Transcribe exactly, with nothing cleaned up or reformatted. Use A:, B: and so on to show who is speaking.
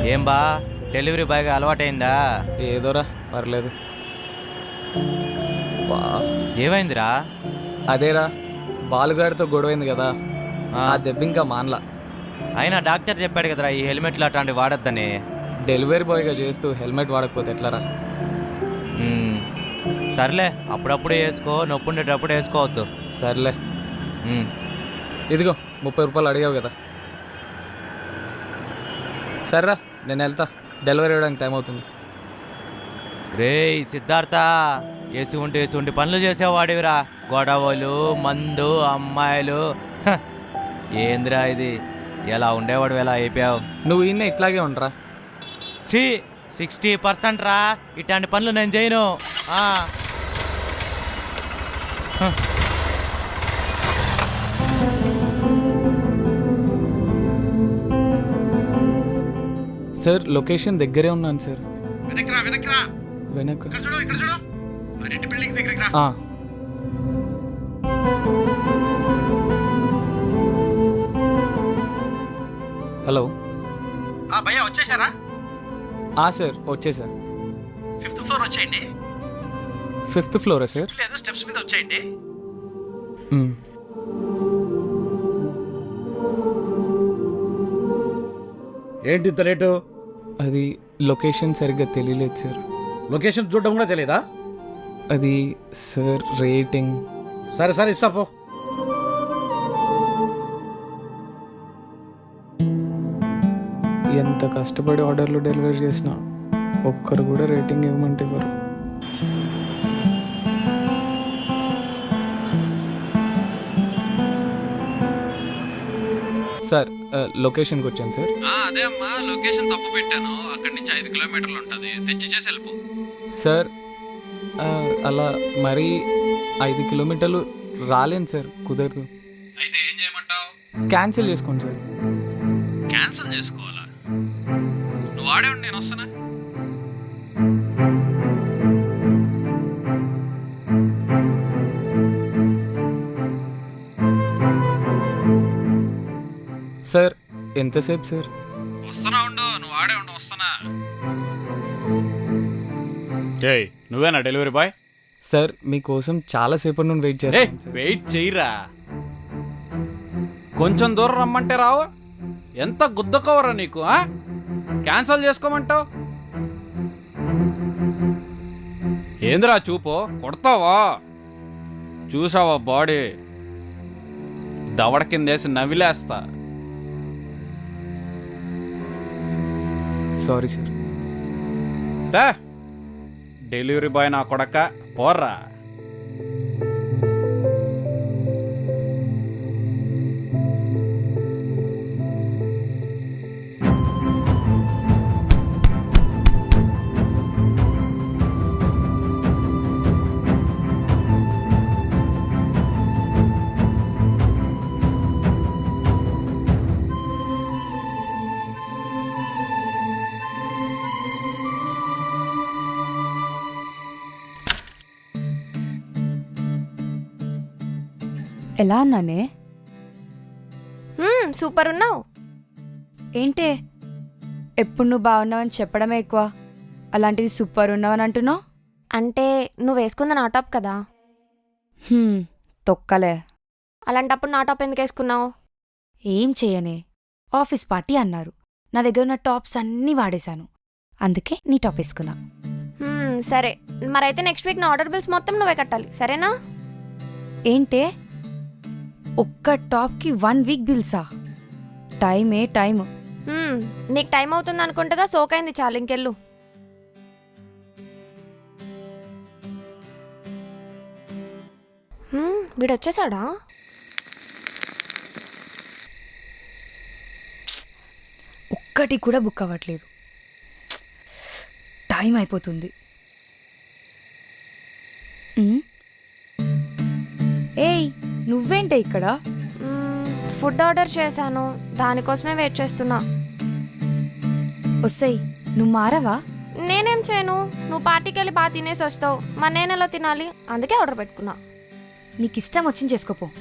A: ఏం బా డెలివరీ బాయ్గా అలవాటైందా?
B: ఏదోరా పర్లేదు. బా
A: ఏమైందిరా?
B: అదేరా బాలుగాడితో గొడవైంది కదా,
A: ఆ,
B: ఆ దెబ్బ ఇంకా మానలా.
A: అయినా డాక్టర్ చెప్పాడు కదరా ఈ హెల్మెట్లు అట్లాంటివి వాడొద్దని.
B: డెలివరీ బాయ్గా చేస్తూ హెల్మెట్ వాడకపోతే ఎట్లారా?
A: ఉమ్, సర్లే అప్పుడప్పుడు వేసుకో, నొప్పి ఉండేటప్పుడు వేసుకోవద్దు.
B: సర్లే
A: ఉమ్,
B: ఇదిగో ముప్పై రూపాయలు అడిగావు కదా, సర్రా నేను వెళ్తా, డెలివరీ ఇవ్వడానికి టైం అవుతుంది.
A: రేయ్ సిద్ధార్థ, వేసి ఉంటే వేసి ఉంటే పనులు చేసేవాడివిరా. గొడవలు, మందు, అమ్మాయిలు, హ, ఏందిరా ఇది? ఎలా ఉండేవాడు ఎలా అయిపోయావు?
B: నువ్వు ఈయన ఇట్లాగే ఉండరా.
A: ఛీ, సిక్స్టీ పర్సెంట్ రా ఇట్లాంటి పనులు నేను చేయను. ఆ. హ.
B: సార్ లొకేషన్ దగ్గరే ఉన్నాను సార్.
C: వెనక్రా వెనక్రా
B: వెనక
C: ఇక్కడ చూడు ఇక్కడ చూడు ఆ రెడ్ బిల్డింగ్ దగ్గరికి రా.
B: ఆ. హలో.
C: ఆ భయ్యా వచ్చేసారా?
B: ఆ సార్ వచ్చేసా.
C: ఫిఫ్త్ ఫ్లోర్ వచ్చేయండి.
B: ఫిఫ్త్ ఫ్లోరా సార్?
C: లేదు స్టెప్స్ మీద వచ్చేయండి.
B: మ్.
C: ఏంటి ఇంత లేటు?
B: అది లొకేషన్ సరిగ్గా తెలియలేదు సార్.
C: లొకేషన్ చూడడం కూడా తెలియదా?
B: అది సార్ రేటింగ్.
C: సరే సరే ఇస్తా పో.
B: ఎంత కష్టపడి ఆర్డర్లు డెలివరీ చేసినా ఒక్కరు కూడా రేటింగ్ ఇవ్వమంటే ఇవ్వరు. సార్ లొకేషన్కి వచ్చాను సార్.
D: అదే అమ్మా, లొకేషన్ తప్పు పెట్టాను. అక్కడి నుంచి ఐదు కిలోమీటర్లు ఉంటుంది, తెచ్చి చేసి వెళ్ళిపో.
B: సార్ ఆ, అలా మరీ ఐదు కిలోమీటర్లు రాలేను సార్, కుదరదు.
D: అయితే ఏం చేయమంటావు?
B: క్యాన్సిల్ చేసుకోండి సార్.
D: క్యాన్సిల్ చేసుకోవాలా? నువ్వు ఆడే ఉండి నేను వస్తానా?
B: సార్ ఎంతసేపు సార్?
D: వస్తానా ఉండు, నువ్వు ఆడే ఉండు, వస్తానా?
E: ఏయ్ నువ్వేనా డెలివరీ బాయ్?
B: సార్ మీకోసం చాలాసేపటి నుండి వెయిట్
E: ఏ
B: చేస్తాను సార్.
E: వెయిట్ చెయ్యరా, కొంచెం దూరం రమ్మంటే రావు. ఎంత గుద్ద కవరా నీకు? ఆ? క్యాన్సల్ చేసుకోమంటావు ఏందిరా? చూపు కొడతావా? చూసావా బాడీ దవడ కిందేసి నవిలేస్తా.
B: Sorry sir.
E: తే, డెలివరీ బాయ్ నా కొడక పోర్రా.
F: ఎలా ఉన్నానే?
G: మ్మ్, సూపర్ ఉన్నావు.
F: ఏంటే ఎప్పుడు నువ్వు బాగున్నావని చెప్పడమే ఎక్కువ, అలాంటిది సూపర్ ఉన్నావని అంటున్నావు.
G: అంటే నువ్వు వేసుకుంది నా టాప్ కదా,
F: హ్మ్, తొక్కలే.
G: అలాంటప్పుడు నా టాప్ ఎందుకు వేసుకున్నావు?
F: ఏం చేయనే, ఆఫీస్ పార్టీ అన్నారు, నా దగ్గర ఉన్న టాప్స్ అన్నీ వాడేశాను, అందుకే నీ టాప్ వేసుకున్నా.
G: మ్మ్, సరే మరైతే నెక్స్ట్ వీక్ నా ఆర్డర్ బిల్స్ మొత్తం నువ్వే కట్టాలి, సరేనా?
F: ఏంటే ఒక్క టాప్కి వన్ వీక్ బిల్సా? టైమే టైం.
G: మ్మ్, నీకు టైం అవుతుంది అనుకుంటగా, సోకైంది చాలు, ఇంకెళ్ళు. మ్మ్, వీడు వచ్చేసాడా?
F: ఒక్కటి కూడా బుక్ అవ్వట్లేదు, టైం అయిపోతుంది. ఉమ్. ఏయ్ నువ్వేంటే ఇక్కడ?
G: మ్మ్, ఫుడ్ ఆర్డర్ చేశాను, దానికోసమే వెయిట్ చేస్తున్నా.
F: వస్తాయి, నువ్వు మారవా?
G: నేనేం చేయను, నువ్వు పార్టీకి వెళ్ళి బాగా తినేసి వస్తావు, మరి నేను ఎలా తినాలి? అందుకే ఆర్డర్ పెట్టుకున్నా.
F: నీకు ఇష్టం వచ్చింది చేసుకోపో.